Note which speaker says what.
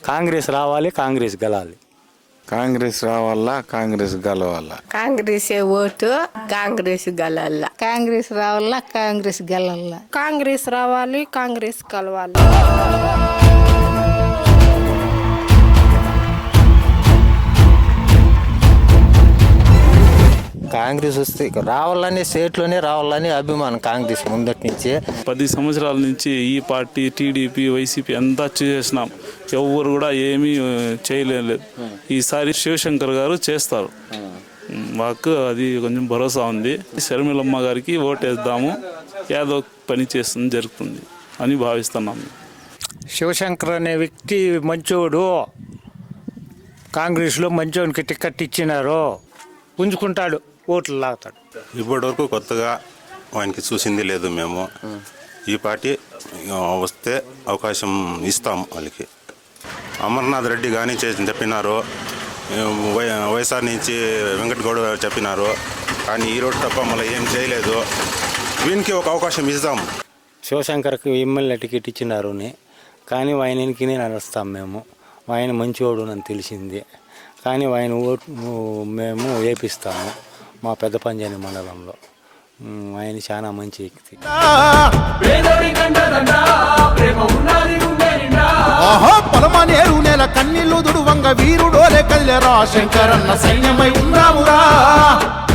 Speaker 1: కాంగ్రెస్ రావాలి, కాంగ్రెస్ గెలాలి.
Speaker 2: కాంగ్రెస్ రావాలా, కాంగ్రెస్ గెలవాలా.
Speaker 3: కాంగ్రెస్ ఓటు, కాంగ్రెస్ గెలవాల.
Speaker 4: కాంగ్రెస్ రావాలా, కాంగ్రెస్ గెలవాలా.
Speaker 5: కాంగ్రెస్ రావాలి, కాంగ్రెస్ కలవాలి.
Speaker 6: కాంగ్రెస్ వస్తే రావాలని స్టేట్లోనే రావాలని అభిమానం కాంగ్రెస్ ముందటి నుంచే.
Speaker 7: 10 సంవత్సరాల నుంచి ఈ పార్టీ టీడీపీ వైసీపీ అంతా చేసినాం, ఎవరు కూడా ఏమీ చేయలేదు. ఈసారి శివశంకర్ గారు చేస్తారు, మాకు అది కొంచెం భరోసా ఉంది. శర్మిలమ్మ గారికి ఓటేద్దాము, ఏదో పని చేస్తుంది జరుగుతుంది అని భావిస్తున్నాము.
Speaker 1: శివశంకర్ అనే వ్యక్తి మంచోడు, కాంగ్రెస్లో మంచోనికి టికెట్ ఇచ్చినారు, పుంజుకుంటాడు, ఓట్లు లాగుతాడు.
Speaker 8: ఇప్పటి వరకు కొత్తగా ఆయనకి చూసింది లేదు. మేము ఈ పార్టీ వస్తే అవకాశం ఇస్తాము వాళ్ళకి. అమర్నాథ్ రెడ్డి కానీ చెప్పినారు, వైఎస్ఆర్ నుంచి వెంకట గౌడ చెప్పినారు, కానీ ఈ రోడ్డు తప్ప మళ్ళీ ఏం చేయలేదు. వీనికి ఒక అవకాశం ఇస్తాము.
Speaker 1: శివశంకర్కి ఎమ్మెల్యే టికెట్ ఇచ్చినారు, కానీ ఆయనకి నడుస్తాం మేము. ఆయన మంచివాడు అని తెలిసింది, కానీ ఆయన ఓటు మేము వేపిస్తాము మా పెద్ద పంజాని మండలంలో. ఆయన చాలా మంచి వ్యక్తి.
Speaker 9: పొలమనేరు నెల కన్నీళ్లు దుడువంగ వీరుడోలే కదిలేరా శంకరన్న సైన్యమై ఉన్నామురా.